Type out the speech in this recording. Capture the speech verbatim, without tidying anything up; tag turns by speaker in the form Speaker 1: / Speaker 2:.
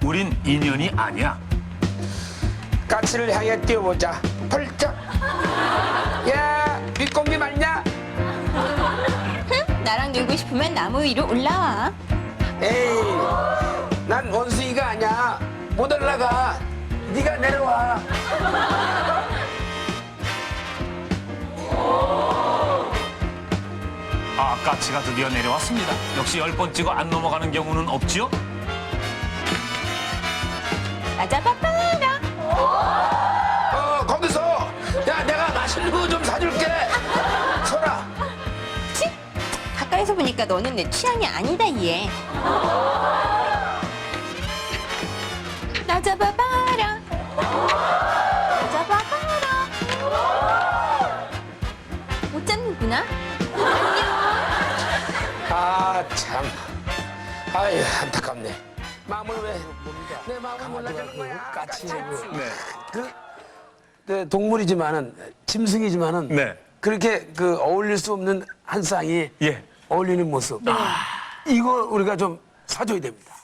Speaker 1: 우린 인연이 아니야.
Speaker 2: 까치를 향해 뛰어보자. 펄쩍. 야, 윗공기 맞냐?
Speaker 3: 흥, 나랑 놀고 싶으면 나무 위로 올라와.
Speaker 2: 에이, 난 원숭이가 아니야. 못 올라가. 네가 내려와.
Speaker 1: 아, 까치가 드디어 내려왔습니다. 역시 열 번 찍어 안 넘어가는 경우는 없지요?
Speaker 3: 아자바바라.
Speaker 2: 어, 거기서. 야, 내가 맛있는 거 좀 사줄게. 서라.
Speaker 3: 치? 가까이서 보니까 너는 내 취향이 아니다 얘. 나 잡아봐라. 나 잡아봐라. 못 잡는구나.
Speaker 2: 아, 참. 아유, 안타깝네. 마음을 왜, 내 마음을 몰라주는 거야. 까치.
Speaker 1: 네.
Speaker 2: 그, 그 동물이지만은, 짐승이지만은,
Speaker 1: 네.
Speaker 2: 그렇게 그 어울릴 수 없는 한 쌍이
Speaker 1: 예.
Speaker 2: 어울리는 모습. 이거 우리가 좀 사줘야 됩니다.